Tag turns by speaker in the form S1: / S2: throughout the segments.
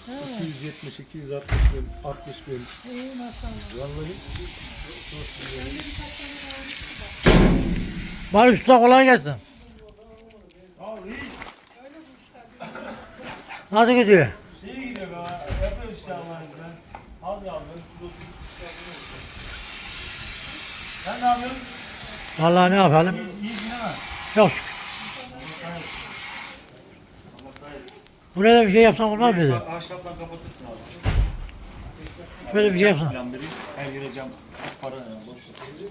S1: Evet.
S2: 270, 260 bin, 60 bin.
S1: İyi maşallah.
S2: Vallahi
S3: Barış Usta kolay gelsin. Nasıl gidiyor?
S2: iyi gidiyor be. Yapıyor işte Allah'ın izniyle. Hadi abi. Sen ne yapıyorsun?
S3: Vallahi ne yapalım?
S2: İyisin değil mi?
S3: Çok şükür. Buraya da bir şey yapsan olmaz mıydı?
S2: Ahşapla kapatırsın abi.
S3: Böyle bir şey yapsan.
S2: Plan vereyim. Her yere cam. Para ne? Boş ver.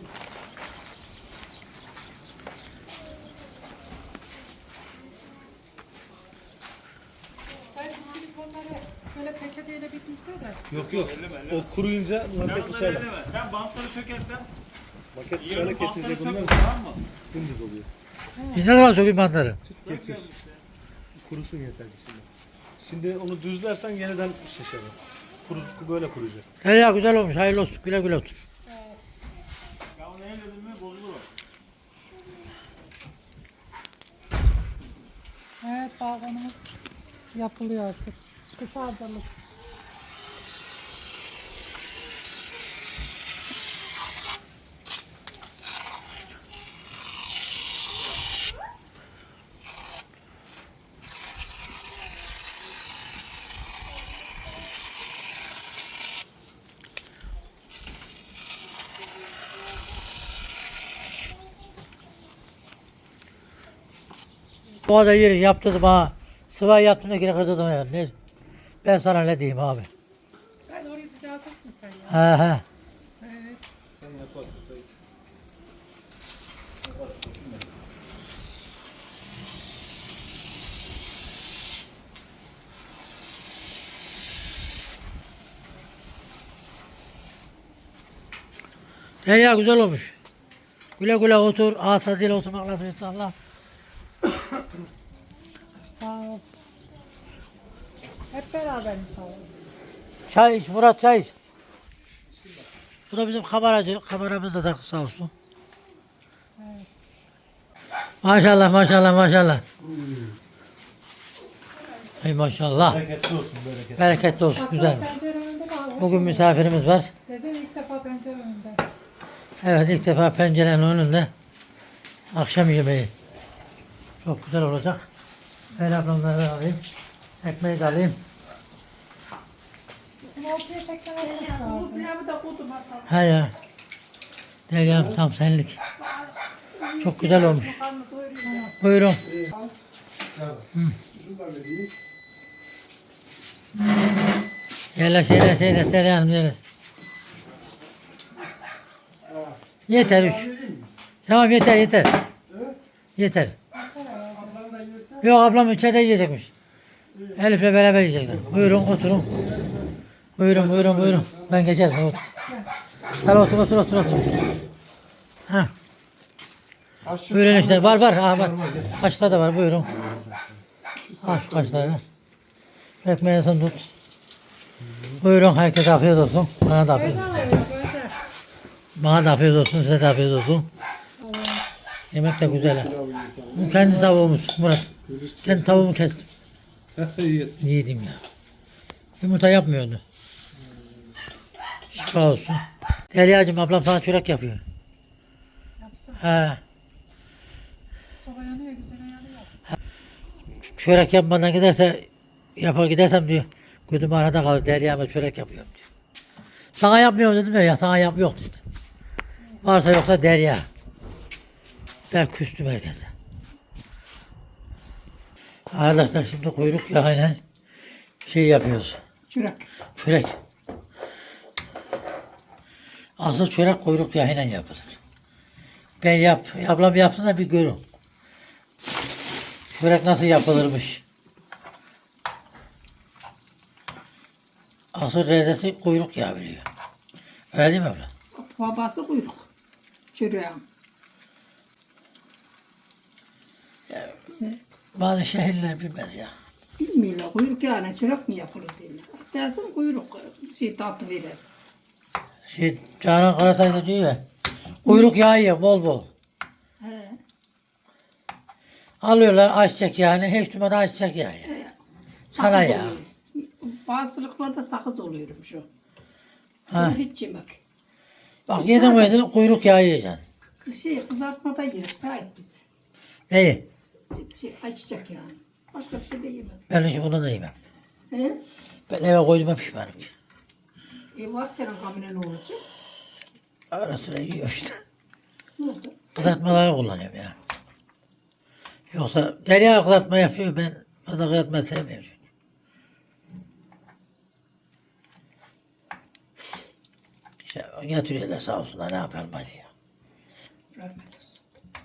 S1: Sen bu silikonları böyle peçeteyle bir düzle de.
S2: Yok yok. O kuruyunca maket dışarıda.
S4: Sen bantları sökersen
S2: Maket
S4: yarın
S2: dışarıda
S4: bantları
S2: kesilecek
S4: sök
S2: bunlar
S4: tamam mı?
S2: dümdüz oluyor.
S3: Ne zaman sökeyim bantları?
S2: Kesiyorsun. Kurusun yeter şimdi. Şimdi onu düzlersen yeniden şişer. Böyle kuruyacak.
S3: Ya güzel olmuş. Hayırlı olsun. Güle güle otur.
S4: Ya onu elledin mi bozulur o.
S1: Evet balkonumuz yapılıyor artık. Kışa hazırlık.
S3: Bu arada yeri yaptırdım ha. Sıvay yaptığımda geri kırdırdım yani. Ne? Ben sana ne diyeyim abi?
S1: Sen orayı düzeltirsin sen ya.
S3: He he.
S1: Evet.
S2: Sen yaparsın Sait.
S3: Ya güzel olmuş. Güle güle otur. Ağız tadıyla oturmak lazım inşallah.
S1: Sağ ol. Hep beraber inşallah.
S3: Çay iç Murat, çay iç. Bu da bizim kameracı. Kameramız da takı sağ olsun.
S1: Evet.
S3: Maşallah maşallah maşallah. Ey maşallah.
S2: Bereketli olsun bereketli.
S3: Bereketli olsun
S1: Baksana
S3: güzel.
S1: pencere önünde kalmış.
S3: Bugün misafirimiz var.
S1: Desene ilk defa pencere önünde.
S3: Evet ilk defa pencerenin önünde akşam yemeği. Çok güzel olacak. Ben ablamları da alayım. Ekmeği de alayım.
S1: Bunu ortaya çeksen olmaz.
S5: Pilavı da koydum masaya.
S3: Ha ya. Deryam tam senlik. Çok güzel olmuş.
S5: Karnı doyuruyor.
S3: Buyurun. Yerleş yerleş yerleş Deryam yerleş. Yeter üç. Tamam yeter yeter. Yeter. Yok ablam içeride yiyecekmiş. Elif'le beraber yiyecekler. Buyurun oturun. Buyurun buyurun buyurun. Ben geçerim otur. Hadi otur otur otur otur. Ha. Buyurun işte var var. Ha, var. Kaşlar da var buyurun. Al şu kaşları. Ekmeğini tut. Buyurun herkese afiyet olsun. Bana da afiyet olsun. Bana da afiyet olsun, size de afiyet olsun. Yemek de güzel. Ha. Bu kendi tavuğumuz Murat. Kendi tavuğumu kestim. Yedim ya. Yumurta yapmıyordu. Şifa olsun. Deryacığım ablam sana çörek yapıyor.
S1: Yapsın.
S3: Ha.
S1: Soba yanıyor, güzel yanıyor.
S3: Çörek yapmadan giderse yapar gidersem diyor. Gözüm arada kalır. Derya'ma çörek yapıyorum diyor. Sana yapmıyorum dedim ya sana yok dedi. Varsa yoksa Derya. Ben küstüm herkese. Arkadaşlar şimdi kuyruk yağıyla şey yapıyoruz.
S5: Çürek.
S3: Çörek. Asıl çörek kuyruk yağıyla yapılır. Ablam yapsın da bir görün. Çörek nasıl yapılırmış. Asıl lezzeti kuyruk yağı biliyor. Öyle değil mi abla?
S5: Babası kuyruk. Çürüyen.
S3: Bazı şehirler bilmez ya.
S5: Bilmiyorlar kuyruk yağına çörek mi yapılır diyorlar. Esasım kuyruk tatlı verir.
S3: Canan Karatay da diyor ya. Kuyruk yağı ye bol bol.
S5: He.
S3: Alıyorlar ayçiçek yağını. Hiç durmadan ayçiçek yağı ye. Sana ya.
S5: Bazılıklarda sakız oluyorum şu.
S3: Ha.
S5: Sen hiç yemek.
S3: Bak yedin mi kuyruk yağı yiyeceksin.
S5: Kızartmada yeriz sahip biz.
S3: Neyi?
S5: Açacak yani. Başka bir şey de yemek.
S3: Ben hiç onu da yemem.
S5: He?
S3: Ben eve koyduğuma pişmanım ki.
S5: Var senin kamine ne olacak?
S3: Ara sıra yiyor işte.
S5: Ne oldu?
S3: Kızartmaları kullanıyorum ya. Yoksa Derya kızartma yapıyor, ben fazla kızartma sevmiyorum. Çünkü. İşte getiriyorlar sağ olsunlar, ne yapalım hadi ya.
S5: Rahmet olsun.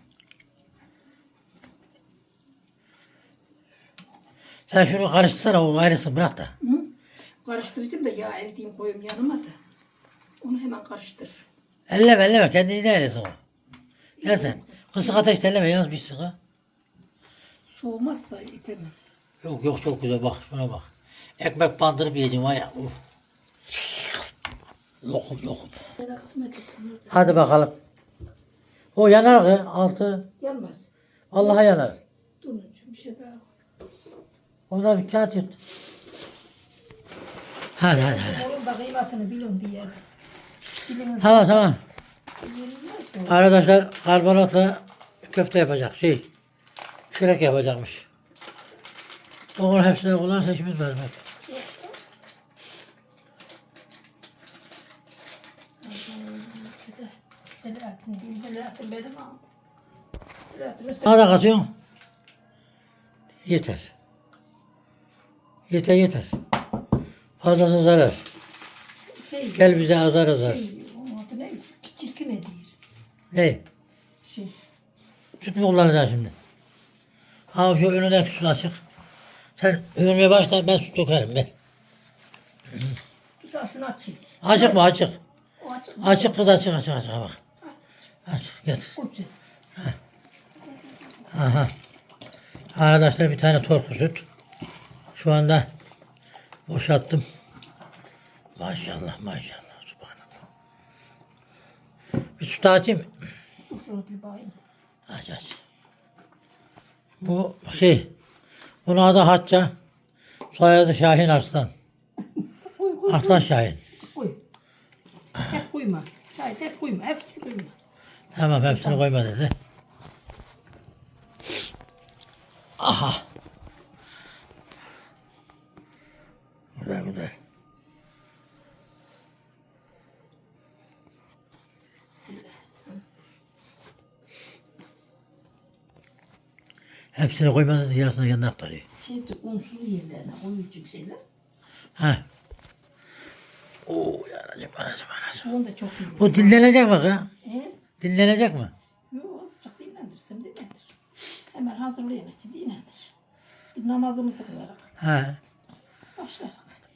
S3: Sen şunu karıştırsana, o ayrısın bırak da.
S5: Hı? Karıştırıcım da yağ eriteyim koyayım yanıma da. Onu hemen karıştır.
S3: Elleme, kendini de eylesin o. Gel sen. Kısık ateşte elleme, yalnız bir sıkı.
S5: Soğumazsa itemem.
S3: Yok çok güzel, bak şuna bak. Ekmek bandırıp yiyeceğim var ya. Uf. Lokum.
S5: Bana kısmet etsin.
S3: Hadi bakalım. O yanar ki altı.
S5: Yanmaz.
S3: Vallahi yanar.
S5: Durun bir şey daha.
S3: Ona bir kağıt yut. Hadi.
S5: Onun da kıymetini bilin diye. Biliniz.
S3: Tamam. Arkadaşlar karbonatla köfte yapacak çörek yapacakmış. Onun hepsine kullanırsa işimiz var.
S5: Selahattin benim aldı. Selahattin
S3: Bana da katıyorsun. Yeter. Fazlası zarar.
S5: şey,
S3: Gel bize azar.
S5: onun adı ne? Çirkin ne değil?
S3: Ne?
S5: Şey,
S3: Süt mü kullanacaksın şimdi? Ha şu önündeki süt açık. Sen övünmeye başla, ben süt dökerim ben.
S5: şunu açayım.
S3: Açık mı açık?
S5: O açık mı?
S3: Açık kız açık bak. Aç getir.
S5: Koysun.
S3: Aha. Arkadaşlar bir tane torku süt. Şu anda boşalttım. Maşallah subhanallah. Bir süt açayım mı?
S5: Dur şunu bir bakayım.
S3: Aç. Bu bunun adı Hatça. Soyadı Şahin Arslan.
S5: Koy.
S3: Arslan Şahin.
S5: Koy. Hep koyma. Sadece hep koyma. Hepsi koyma.
S3: Tamam hepsini koyma dedi. Aha. Güzel. Hepsini koyma dedi, yarısını yanına aktarıyor.
S5: Unsuz yerlerine koyucuk şeyler.
S3: Ha. Oo yanacak.
S5: Onu da çok iyi.
S3: Bu dinlenecek mi ha?
S5: He?
S3: Dinlenecek mi?
S5: Yok, azıcık dinlendirsem dinlendir. Hemen hazırlayan için dinlendir. Bir namazımızı kılarak
S3: Ha.
S5: başlarak.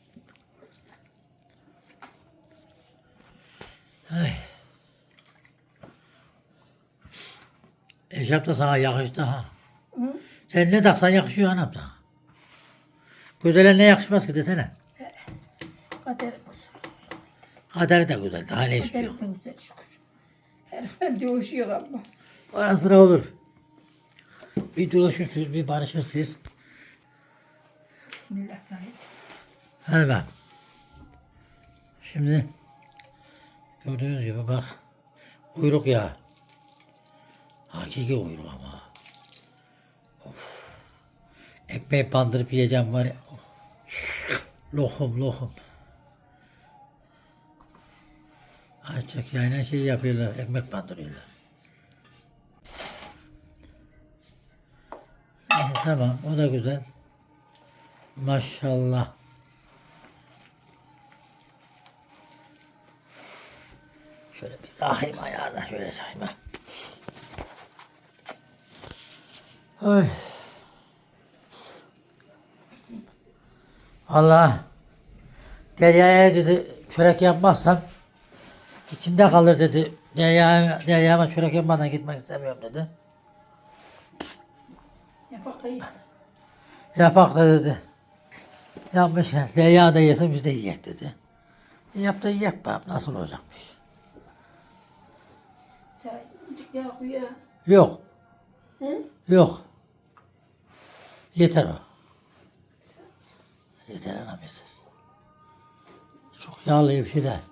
S3: Eşarp da sana yakıştı ha.
S5: Hı?
S3: Sen ne taksan yakışıyor anam sana. Güzele ne yakışmaz ki desene.
S5: Kaderim olsun.
S3: Kaderi de güzel. Daha ne istiyor?
S5: Kaderim de güzel şükür. Her dövüşüyor ama.
S3: Ara sıra olur. Bir dövüşürsünüz, bir barışırsınız.
S5: Bismillah sahip.
S3: Hadi bak. Şimdi gördüğünüz gibi bak. Kuyruk yağı. Hakiki kuyruk ama. Of. Ekmeği bandırıp yiyeceğim var ya. Of. Lokum. Açacak yani yapıyorlar. Ekmek bandırıyorlar. Tamam o da güzel. Maşallah. Şöyle bir takayım ayağına, şöyle takayım ha. Oy. Allah. Derya'ya dedi çörek yapmazsam içimde kalır dedi. Derya'ma çörek yapmadan gitmek istemiyorum dedi. Yapak da dedi. Yapmış. Derya da yesin biz de yiyek dedi. Yap da yiyek bakalım nasıl olacakmış.
S5: Sen azıcık yağ koy ya.
S3: Yok.
S5: Hı?
S3: Yok. Yeter o. Yeter anam yeter. Çok yağlı bir şey de.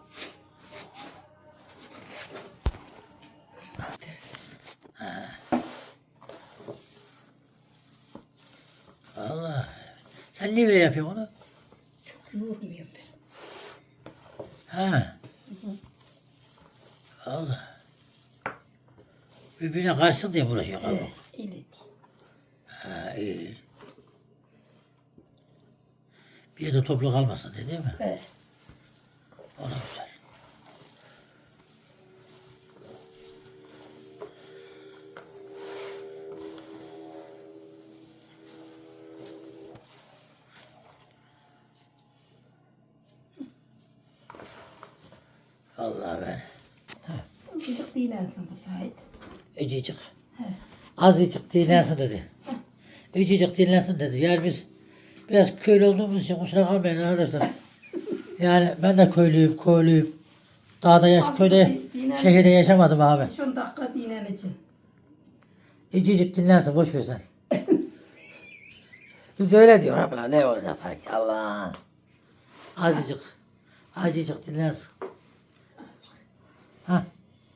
S3: Allah. Sen niye böyle yapıyorsun onu?
S5: Çok yoğurmuyorum ben.
S3: Ha. Allah. Birbirine karşı diye uğraşıyor kabuk.
S5: Öyle değil.
S3: Ha iyi. Bir yerde toplu kalmasın değil mi?
S5: Evet.
S3: O da güzel. Allah ben.
S5: Azıcık dinlensin bu Sait.
S3: Ecicik. Azıcık dinlensin dedi. Ecicik dinlensin dedi. Yani biz biraz köylü olduğumuz için kusura kalmayın arkadaşlar. Yani ben de köylüyüm. Dağda köyde, şehirde yaşamadım abi.
S5: 10 dakika dinleneceğim.
S3: Ecicik dinlensin, boş ver sen. Biz de öyle diyor abla, ne olacak sanki Allah. Azıcık dinlensin. Ha.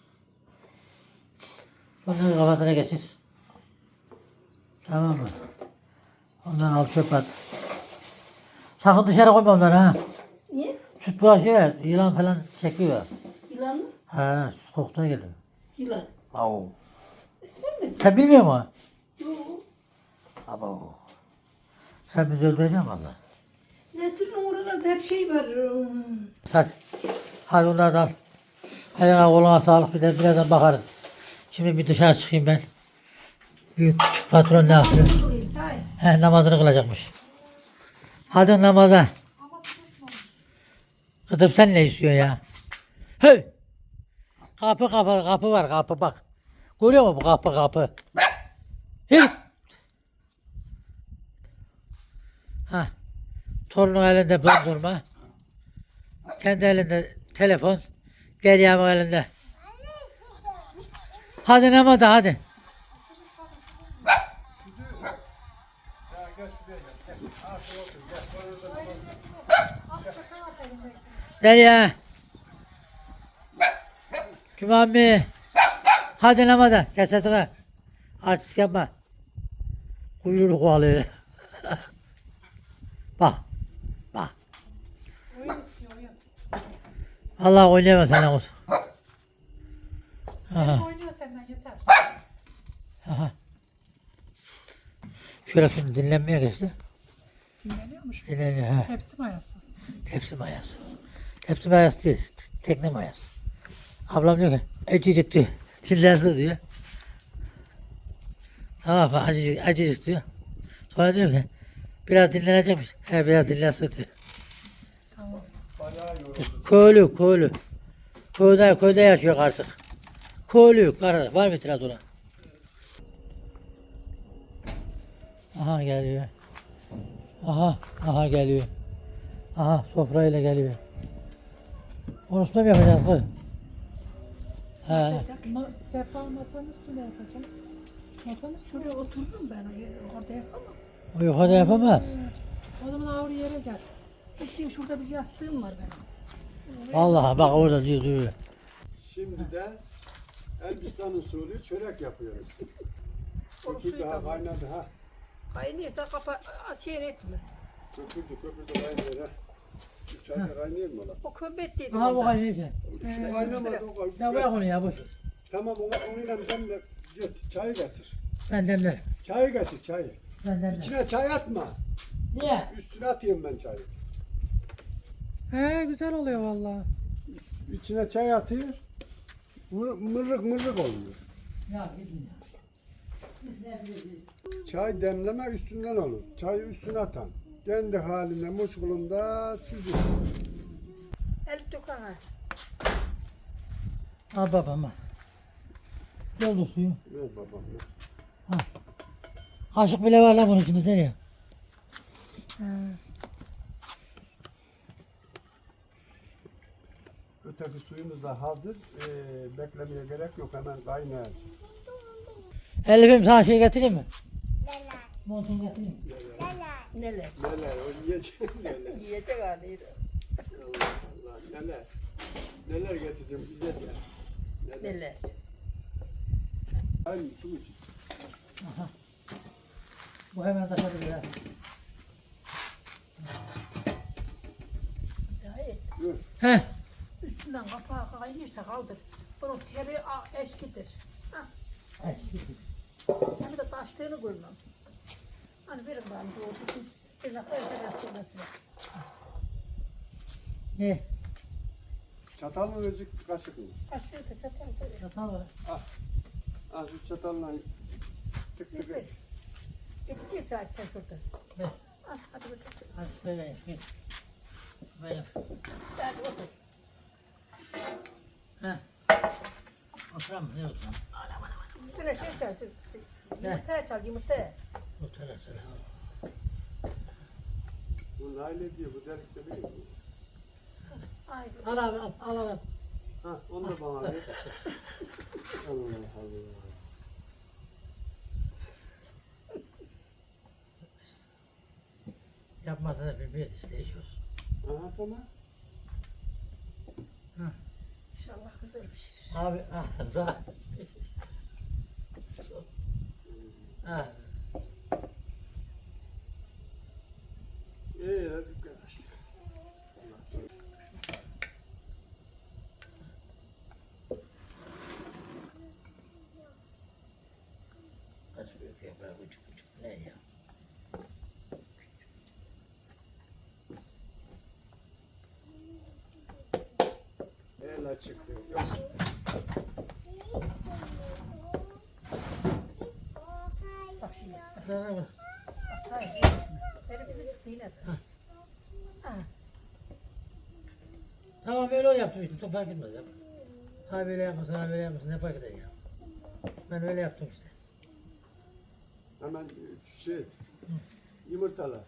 S3: Bunları kafasına geçir. Tamam mı? Ondan al çöp at. Sakın dışarı koyma onları ha.
S5: Niye?
S3: Süt bulaşıyor, yılan falan çekiyor.
S5: Yılan mı?
S3: Ha, süt kokusuna geliyor.
S5: Yılan.
S3: Au.
S5: Sen mi?
S3: Sen bilmiyor musun?
S5: Yok.
S3: Abo. Sen bizi öldüreceksin valla.
S5: Nesrin oralarda hep şey var.
S3: Hadi. Hadi onları da al. Eline koluna sağlık, bir de birazdan bakarız. Şimdi bir dışarı çıkayım ben. Büyük patron ne yapıyor?
S5: Sorayım Sait.
S3: He, namazını kılacakmış. Hadi namaza. Kızım sen ne istiyorsun ya? Hey! Kapı var kapı bak. Görüyor musun bu kapı? Hey! Ha. Torunun elinde dondurma. Kendi elinde telefon. Derya'nın elinde. Hadi namaza hadi. Derya. Cumami. Hadi namaza. Kes sesini. Artist yapma. Kuyruğunu kovalıyor. Bak.
S1: Oyun istiyor oyun.
S3: Allah oynayamaz senden olsun. Aha.
S1: Oynuyor senden yeter.
S3: Aha. Şöyle şimdi dinlenmeye geçti.
S1: Dinleniyormuş.
S3: Dinleniyor ha.
S1: Hepsi mayası.
S3: Tepsi mayası. Tepsi mayası değil. Tekne mayası. Ablam diyor ki acıcık diyor. Dinlensin diyor. Tamam mı? Acıcık diyor. Sonra diyor ki biraz dinlenecekmiş. He biraz dinlensin diyor.
S1: Tamam.
S3: Köylü. Köyde yaşıyor artık. Köylü. Var mı itiraz ona? Aha geliyor. Aha geliyor. Aha sofrayla geliyor. Onu üstüne mi yapacağız kız? He.
S1: Sehpa masanın üstüne yapacağım. Masanın üstüne.
S5: Şuraya otururum ben. Orada yapamam.
S3: O yukarıda yapamaz.
S1: O zaman ağır yere gel.
S5: İşte şurada bir yastığım var benim.
S3: Vallahi bak orada diyor.
S2: Şimdi de Elbistan usulü çörek yapıyoruz. Köpür daha kaynadı ha.
S5: Kaynıyorsa şey etme.
S2: Köpürdü kaynıyor ha. Şu çay da kaynıyor mu lan?
S5: O kömbet dedi.
S3: Aha bu kaynıyor işte.
S2: Şimdi kaynamadı o
S3: Ya
S2: kaynıyor.
S3: bırak onu ya boş.
S2: Tamam onunla demle. Çayı getir.
S3: Ben demlerim.
S2: Çayı getir çayı.
S3: Ben demlerim.
S2: İçine çay atma.
S3: Niye?
S2: Üstüne atıyorum ben çayı.
S1: He güzel oluyor vallahi.
S2: İçine çay atıyor. Mırık oluyor.
S3: Ya gidin ya.
S2: Çay demleme üstünden olur. Çayı üstüne atan. Kendi haline muşkulunda süzülür.
S5: El dökene.
S3: Al babam al. Doldur suyu.
S2: Ver babam ver.
S3: Kaşık bile var lan bunun içinde değil ya.
S2: Öteki suyumuz da hazır. Beklemeye gerek yok. Hemen kaynayacak.
S3: Elif'im sana şey getireyim mi? Montunu getireyim mi?
S5: Neler?
S2: Neler o yiyecek neler.
S5: Yiyecek haliydi.
S2: Allah Allah.
S6: neler. Neler getireceğim güzel ya.
S5: Neler.
S6: Aynı su için.
S3: Bu hemen taşabilir ha.
S5: Zahit.
S3: He.
S5: Üstünden kapağı kaynırsa kaldır. Bunun teri eşkidir. Hem de taştığını koymam. Hani verin bana doğru. Bir dakika ötürüyorsunuz.
S3: Ne?
S6: Çatal mı verecek kaşık mı?
S5: Kaşığı da çatal böyle.
S3: Çatal var.
S6: Ah şu çatalla tık tık.
S5: Getir. Geçeceğiz saat sen şurada.
S3: Ver.
S5: Al hadi bakalım.
S3: Hadi şöyle yap. Gel. Ben yap.
S5: Hadi otur.
S3: He. Oturam mı? Ne oturam?
S5: Üstüne şey çal. Yumurtaya çal yumurtaya.
S3: Otur otur.
S6: Bu Naile diye bu delikte değil mi?
S5: Ay.
S3: Al abi al. Al al.
S6: Ha onu da bana ver. Allah Allah.
S3: Yapmasa da bir işte iş olsun.
S6: Aha tamam.
S5: İnşallah güzel pişirir.
S3: Abi za. Ha.
S6: İyi hadi arkadaşlar.
S3: Kaç büyük yapar küçük küçük. Ne ya?
S6: El açık diyor. Yok.
S5: Bak şimdi.
S3: Sana bak.
S5: Sayın. Elimizi çıktı yine de.
S3: Tamam öyle yaptım işte. Çok fark etmez ya. Ha böyle yapmasın, ha böyle yapmasın. Ne fark eder ya? Ben öyle yaptım işte.
S6: Hemen şey yumurtalar.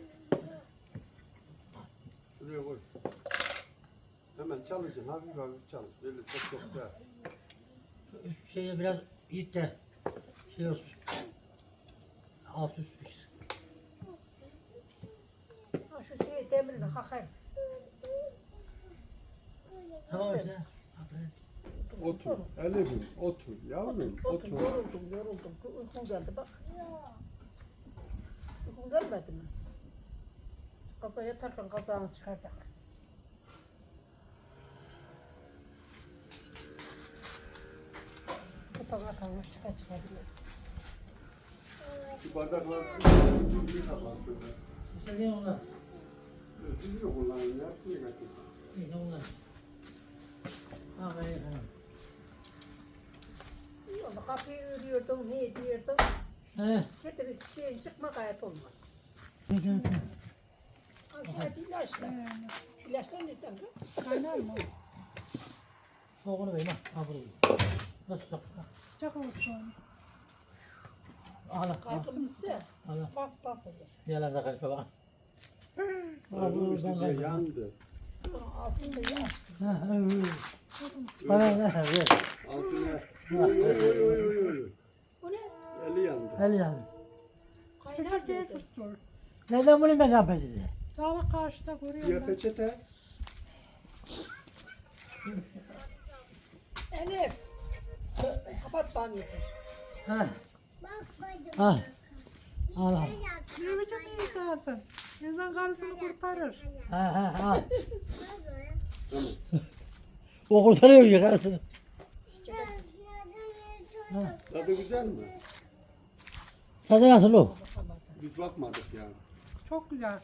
S6: Şuraya koy. Hemen çalışın hafif hafif çalış. Böyle çok da.
S3: Üst şeye biraz yiyip de şey olsun. Alt üst pişsin.
S5: Ha şu şeyi demirini kakayım.
S3: Tamam işte. Aferin.
S6: Otur. Elif'im otur. Yavrum
S5: Otur.
S6: otur.
S5: Yoruldum. Uykum geldi bak. Uykum gelmedi mi? Şu kaza yatarken kazağını çıkardık. Kapağını çıkabilir.
S6: Şu bardaklar bir sabah şöyle.
S3: İstediğin onlar.
S6: Düzgün kullanın. Hepsini getir.
S3: İyi onlar. Ha ben yapamam.
S5: Yolda kapıyı örüyordun, ne ediyordun?
S3: He.
S5: Çetin şeyin çıkma gayet olmaz.
S3: Peki peki.
S5: Aslında ilaçlar. İlaçlar nereden bu?
S1: Kaynar mı?
S3: Soğukunu verin ha. Ha burayı. Nasıl sok?
S1: Sıcak olsun.
S3: Al al.
S5: Kalkımızsa
S3: Allah.
S5: bak bak olur.
S3: Yalan da kaçma bak.
S6: Oğlum işte diye yandı.
S5: Altında ya.
S3: Ha ha. Bana ne ver.
S6: Altına. Oy oy oy oy oy.
S5: Bu ne?
S6: Eli yandı.
S3: El yani.
S5: Kaynar
S1: Peçeteye
S5: dedi.
S1: tuttur.
S3: Neden bunu ben yapacağım?
S1: Dağla karşıda görüyorum
S6: Ya
S1: ben.
S6: peçete.
S5: Elif. Kapat bana yeter.
S3: Ha. Al. Al al.
S1: Ne biçim bir insansın? İnsan karısını kurtarır.
S3: Ha ha al. O kurtarıyor ya karısını.
S6: Tadı güzel mi?
S3: Tadı nasıl o?
S6: Biz bakmadık yani.
S1: Çok güzel.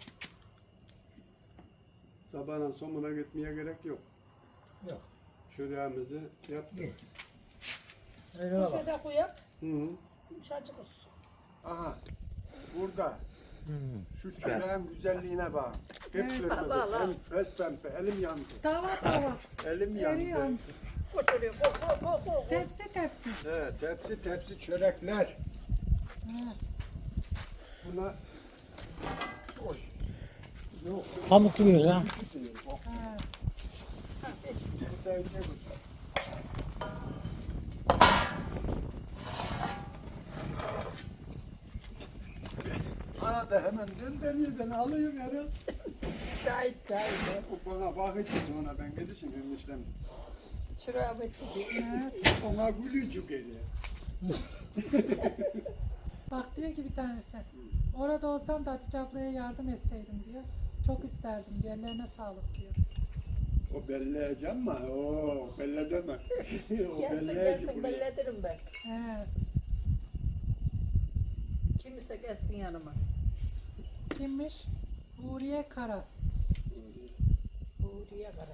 S6: Sabahın sonuna gitmeye gerek yok.
S3: Yok.
S6: Çöreğimizi yaptık.
S3: Geç. Öyle bak.
S5: Şurada koyak.
S6: Hı -hı.
S5: Yumuşacık olsun.
S6: Aha. Burada. Şu çöreğin güzelliğine bak. Hep kırmızı.
S5: Allah Allah.
S6: Hem pes pembe. Elim yandı.
S1: Davat davat.
S6: Elim
S1: Eri
S6: yandı.
S1: yandı.
S5: Koş oraya. Koş.
S1: Tepsi tepsi.
S6: Evet, tepsi tepsi çörekler.
S1: Ha.
S6: Buna oy. Yok.
S3: Pamuk gibi ya.
S6: Küçük değil. Bak.
S1: Ha.
S6: Bir tane şey bu. Arada hemen gönderiyor beni alıyor herhalde.
S5: Sait.
S6: O bana bakıcı sonra ben gidişim eniştem.
S5: Şuraya bitti.
S1: Evet.
S6: Ona gülücük geliyor.
S1: Bak diyor ki bir tanesi. Orada olsam da Hatice ablaya yardım etseydim diyor. Çok isterdim diyor. Ellerine sağlık diyor.
S6: O belleyeceğim mi? Oo, belle deme. O
S5: Gelsin
S6: belleyici
S5: gelsin
S6: buraya.
S5: belletirim ben.
S1: Evet.
S5: Kimse gelsin yanıma.
S1: Kimmiş? Huriye Kara.
S5: Uğur'ya kara.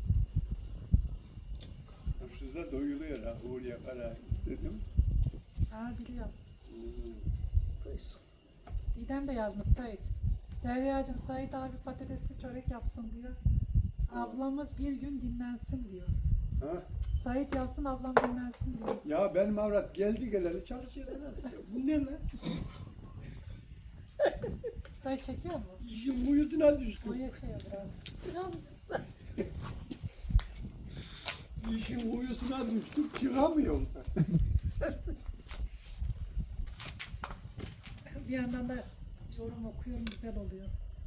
S6: Hırsızda doyuluyor ha. Uğur'ya kara dedim.
S1: Ha biliyorum.
S5: Duysun.
S1: Didem de yazmış Sait. Derya'cığım Sait abi patatesli çörek yapsın diyor. Ablamız bir gün dinlensin diyor.
S6: Ha?
S1: Sait yapsın ablam dinlensin diyor.
S6: Ya benim avrat geldi geleli çalışıyor herhalde. Bu ne lan?
S1: Sait çekiyor mu?
S6: İşin uyusuna düştüm.
S1: O yetiyor biraz.
S6: İşin uyusuna düştüm. Çıkamıyorum.
S1: Bir yandan da yorum okuyorum güzel oluyor.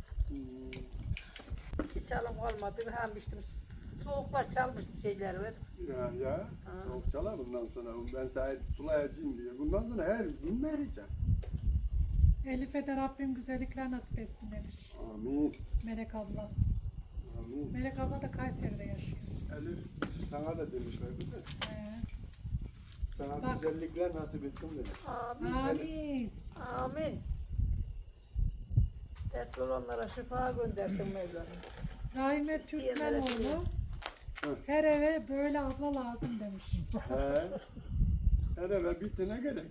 S5: Hiç alım olmadı. Hem içtim. Soğuklar çalmış şeyler var.
S6: Ya. Soğuk çalar bundan sonra. Ben sahip sulayacağım diye. Bundan sonra her gün vereceğim.
S1: Elif'e de Rabbim güzellikler nasip etsin demiş
S6: Amin.
S1: Melek abla.
S6: Amin.
S1: Melek abla da Kayseri'de yaşıyor.
S6: Elif sana da demişler değil mi? Sana
S1: Bak.
S6: güzellikler nasip etsin dedi.
S5: Amin.
S1: Amin.
S5: Amin. Dertli olanlara şifa göndersin Mevlam.
S1: Rahime Türkmenoğlu her eve böyle abla lazım demiş.
S6: He. Her eve bitine gerek.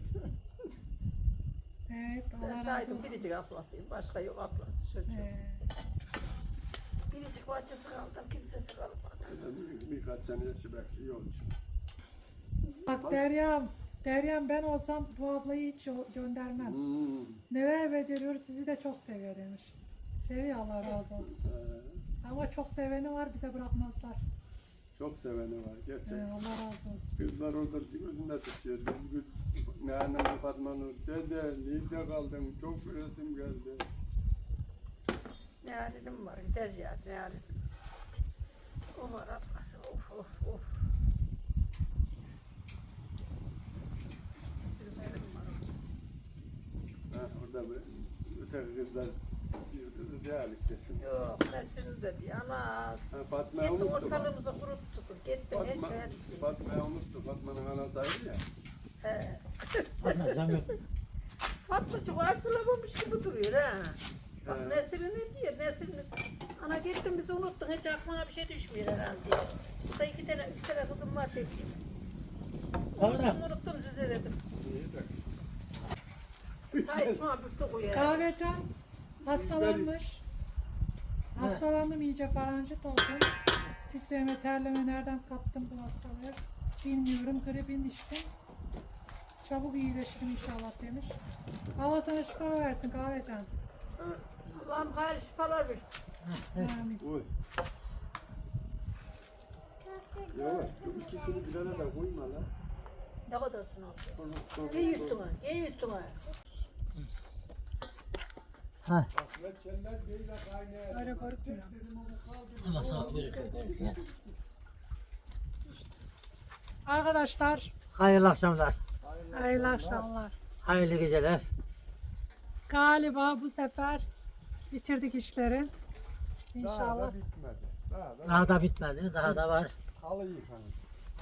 S1: Evet
S5: Ben
S1: Allah razı
S5: saydım
S1: olsun.
S5: biricik ablasıyım. Başka yok ablası çocuğum. Biricik bacısı kaldı. Kimsesi kalmadı.
S6: Birkaç sene yaşı belki iyi olacak.
S1: Bak Derya'm ben olsam bu ablayı hiç göndermem.
S6: Hmm.
S1: Neler beceriyor sizi de çok seviyor demiş. Seviyor Allah razı olsun. Ama çok seveni var bize bırakmazlar.
S6: Çok seveni var gerçekten.
S1: Allah razı olsun.
S6: Kızlar orada gözünde tutuyor. Bugün ne annem Fatma Nur dede nerede kaldım çok resim geldi.
S5: Ne halim var gider ya ne halim. O var ablası of of of. Sürmelim var.
S6: Ha, orada bir öteki kızlar biz kızı değerlik desin.
S5: Yok Nesrin dedi ana.
S6: Ha, Fatma'yı
S5: Gitti
S6: unuttu bak.
S5: ortalığımızı kuruttuk. Gitti
S6: Fatma,
S5: hiç etki.
S6: Fatma'yı unuttu. Fatma'nın anası ayrı ya.
S5: He.
S3: Anlatsam yok.
S5: Fatmacık arsılamamış gibi duruyor ha. Bak
S6: He.
S5: Nesrin ne diyor? Nesrin ana gittin bizi unuttun hiç aklına bir şey düşmüyor herhalde diyor. Burada üç tane kızım var dedi. Unuttum size dedim.
S6: İyi de.
S5: Sait şuna bir su koyar.
S1: Kahvecan hastalanmış. Hastalandım iyice faranjit oldum. Titreme, terleme nereden kaptım bu hastalığı bilmiyorum. Gripin içtim. Çabuk iyileşirim inşallah demiş. Allah sana şifa versin Kahvecan.
S5: Allah'ım hayırlı şifalar versin.
S1: Amin.
S6: Oy. Yavaş. Bu ikisini bir arada koyma lan.
S5: Ne kadarsın abi?
S6: Sonra-
S5: Giy üstüne, giy üstüne.
S3: Ha.
S6: Ve çeller değil de kaynağı.
S1: Öyle korkmuyor.
S6: Dedim onu kaldı.
S3: Ama sağ gözüküyor.
S1: Arkadaşlar
S3: Hayırlı akşamlar.
S1: hayırlı akşamlar.
S3: Hayırlı geceler.
S1: Galiba bu sefer bitirdik işleri.
S6: Daha
S1: İnşallah.
S6: da bitmedi.
S3: Daha da bitmedi. Daha da var.
S6: Halı yıkanır.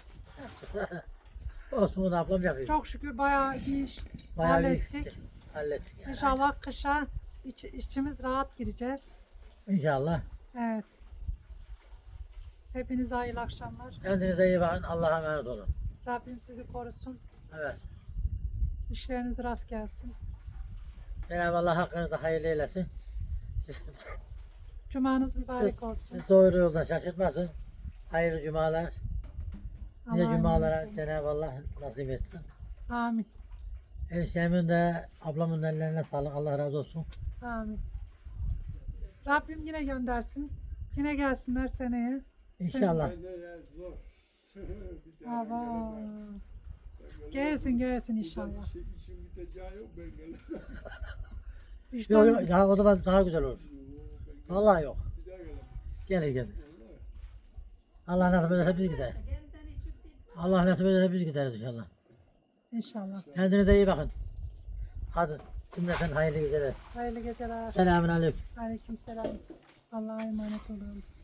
S3: Osman ablam yapıyor.
S1: Çok şükür bayağı bir iş
S3: Bayağı bir
S1: hallettik.
S3: hallettik yani.
S1: İnşallah kışa içimiz rahat gireceğiz.
S3: İnşallah.
S1: Evet. Hepinize hayırlı akşamlar.
S3: Kendinize iyi bakın. Allah'a emanet olun.
S1: Rabbim sizi korusun.
S3: Evet.
S1: İşleriniz rast gelsin.
S3: Cenab-ı Allah hakkınızda hayırlı eylesin.
S1: Cumanız mübarek olsun.
S3: Siz doğru yoldan şaşırtmasın. Hayırlı cumalar. Nice
S1: Allah'a
S3: cumalara
S1: emanet olun.
S3: Cenab-ı Allah nasip etsin.
S1: Amin.
S3: Eniştemin de ablamın da ellerine sağlık. Allah razı olsun.
S1: Amin. Rabbim yine göndersin. Yine gelsinler seneye.
S3: İnşallah.
S6: Seneye zor. Bir daha
S1: Aba.
S6: gelemem.
S1: Gelsin
S6: Bir
S1: inşallah.
S6: daha işin biteceği yok ben gelemem.
S3: Yok yok daha o zaman daha güzel olur. Vallahi yok.
S6: Bir daha gelemem.
S3: Gelir. Allah nasip ederse biz gideriz. Allah nasip ederse biz gideriz inşallah.
S1: İnşallah.
S3: Kendinize iyi bakın. Hadi cümleten hayırlı geceler.
S1: Hayırlı geceler.
S3: Selamun aleyküm.
S1: Aleykümselam. Allah'a emanet olun.